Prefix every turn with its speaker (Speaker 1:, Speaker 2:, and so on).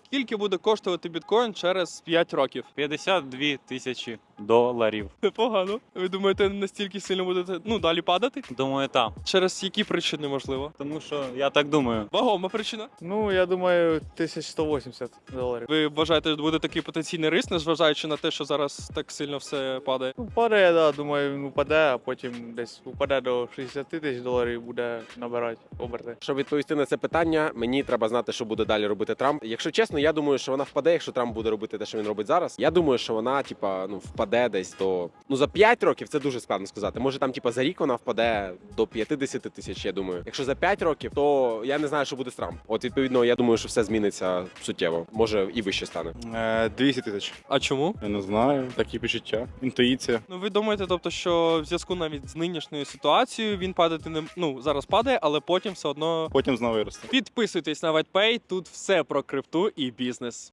Speaker 1: Скільки буде коштувати біткоін через 5 років?
Speaker 2: 52 тисячі доларів.
Speaker 1: Непогано. Ви думаєте, настільки сильно будете далі падати?
Speaker 2: Думаю, так.
Speaker 1: Через які причини, можливо?
Speaker 2: Тому що я так думаю.
Speaker 1: Вагома причина.
Speaker 3: Ну, я думаю, 1180 доларів.
Speaker 1: Ви вважаєте, що буде такий потенційний риск, незважаючи на те, що зараз так сильно все падає?
Speaker 3: Ну, падає, да, думаю, він упаде, а потім десь упаде до 60 тисяч доларів і буде набирати оберти.
Speaker 4: Щоб відповісти на це питання, мені треба знати, що буде далі робити Трамп. Якщо чесно, я думаю, що вона впаде, якщо Трамп буде робити те, що він робить зараз. Я думаю, що вона, впаде десь до за 5 років. Це дуже складно сказати. Може, там, за рік вона впаде до 50 тисяч. Я думаю. Якщо за 5 років, то я не знаю, що буде з Трамп. От відповідно, я думаю, що все зміниться суттєво. Може і вище стане.
Speaker 5: 200 тисяч.
Speaker 1: А чому?
Speaker 5: Я не знаю, такі почуття, інтуїція.
Speaker 1: Ну ви думаєте, тобто, що в зв'язку навіть з нинішньою ситуацією він падати не зараз падає, але потім все одно
Speaker 5: Потім знову виросте.
Speaker 1: підписуйтесь на WhitePay, тут все про крипту і бізнес.